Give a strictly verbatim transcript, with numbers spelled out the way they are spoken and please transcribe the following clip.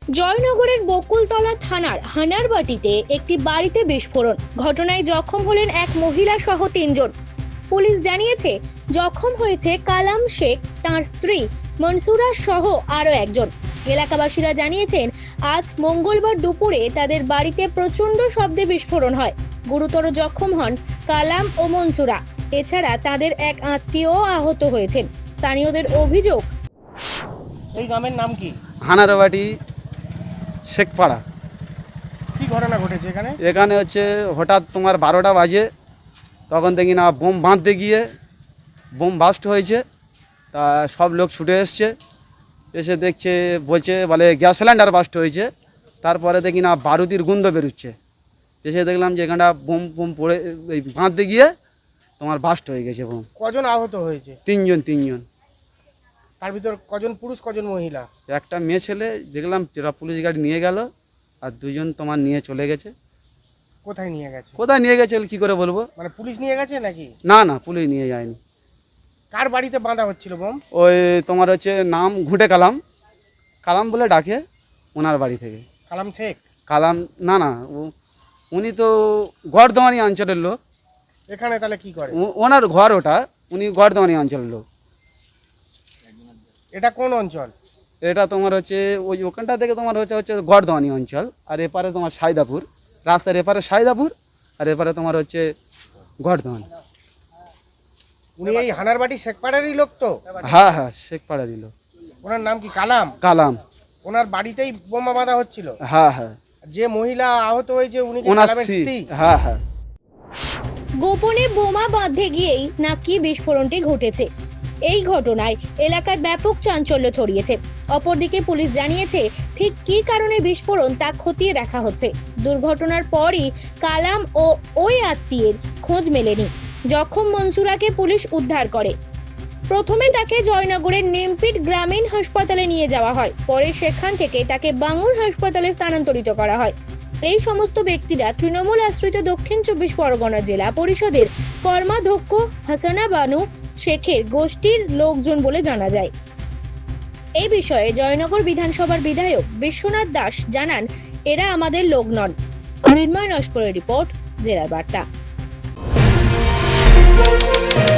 জয়নগরের বকুলতলা থানার হানারবাটিতে একটি বাড়িতে বিস্ফোরণ ঘটনায় জখম হলেন এক মহিলা সহ তিনজন। পুলিশ জানিয়েছে জখম হয়েছে কালাম শেখ, তার স্ত্রী মনসুরা সহ আরও একজন। এলাকাবাসীরা জানিয়েছেন আজ মঙ্গলবার দুপুরে তাদের বাড়িতে প্রচণ্ড শব্দে বিস্ফোরণ হয়। গুরুতর জখম হন কালাম ও মনসুরা। এছাড়া তাদের এক আত্মীয় আহত হয়েছেন। স্থানীয়দের অভিযোগ, এই গ্রামের নাম কি? হানারবাটি শেখপাড়া। কি ঘটনা ঘটেছে এখানে? এখানে হচ্ছে হঠাৎ তোমার বারোটা বাজে, তখন দেখি না বোম বাঁধতে গিয়ে বোম বাস্ট হয়েছে। তা সব লোক ছুটে এসছে, এসে দেখছে বলছে বলে গ্যাস সিলিন্ডার বাস্ট হয়েছে। তারপরে দেখি না বারুদির গন্ধ বেরোচ্ছে। এসে দেখলাম যে এখানটা বোম বোম পড়ে এই বাঁধতে গিয়ে তোমার বাস্ট হয়ে গেছে বোম। কজন আহত হয়েছে? তিনজন তিনজন তার ভিতর কজন পুরুষ কজন মহিলা? একটা মেয়ে ছেলে দেখলাম যেটা পুলিশ গাড়ি নিয়ে গেল, আর দুজন তোমার নিয়ে চলে গেছে। কোথায় নিয়ে গেছে? কোথায় নিয়ে গেছে কি করে বলবো? মানে পুলিশ নিয়ে গেছে নাকি? না না, পুলিশ নিয়ে যায়নি। কার বাড়িতে বাঁধা হচ্ছিল বোম? ওই তোমার হচ্ছে নাম ঘুঁটে কালাম, কালাম বলে ডাকে, ওনার বাড়ি থেকে। কালাম শেখ? কালাম না না, ও- উনি তো গড়দমানি অঞ্চলের লোক। এখানে তাহলে কি করে? ও- ওনার ঘর ওটা, উনি গড়দমানি অঞ্চলের লোক। এটা কোন অঞ্চল? এটা তোমার হচ্ছে ওই ওখানটা থেকে তোমার হচ্ছে হচ্ছে গড়দমানি অঞ্চল, আর এপারে তোমার সাইদাপুর, রাস্তার এপারে সাইদাপুর, আর এপারে তোমার হচ্ছে গড়দমানি। উনি এই হানারবাটি শেখপাড়ারই লোক তো? হ্যাঁ হ্যাঁ, শেখপাড়ারই লোক। ওনার নাম কি কালাম? কালাম। ওনার বাড়িতেই বোমা বাঁধা হচ্ছিল? হ্যাঁ হ্যাঁ, যে মহিলা আহত হয়েছে উনি কি ওনার কালামের স্ত্রী। স্ত্রী? হ্যাঁ হ্যাঁ। গোপনে বোমা বাঁধতে গিয়েই নাকি বিস্ফোরণটি ঘটেছে। এই ঘটনায় এলাকায় ব্যাপক চাঞ্চল্য ছড়িয়েছে। অপরদিকে পুলিশ জানিয়েছে ঠিক কী কারণে বিস্ফোরণ তা খতিয়ে দেখা হচ্ছে। দুর্ঘটনার পরই কালাম ও ওই আত্মীয়ের খোঁজ মেলেনি। জখম মনসুরাকে পুলিশ উদ্ধার করে। প্রথমে তাকে জয়নগরের নেমপিট গ্রামীণ হাসপাতালে নিয়ে যাওয়া হয়, পরে সেখান থেকে তাকে বাঙুর হাসপাতালে স্থানান্তরিত করা হয়। এই সমস্ত ব্যক্তিরা তৃণমূল আশ্রিত দক্ষিণ চব্বিশ পরগনা জেলা পরিষদের কর্মাধ্যক্ষ হাসানা বানু শেখের গোষ্ঠীর লোকজন বলে জানা যায়। এই বিষয়ে জয়নগর বিধানসভার বিধায়ক বিশ্বনাথ দাস জানান, এরা আমাদের লোক নন। মৃন্ময় নস্করের রিপোর্ট, জেলার বার্তা।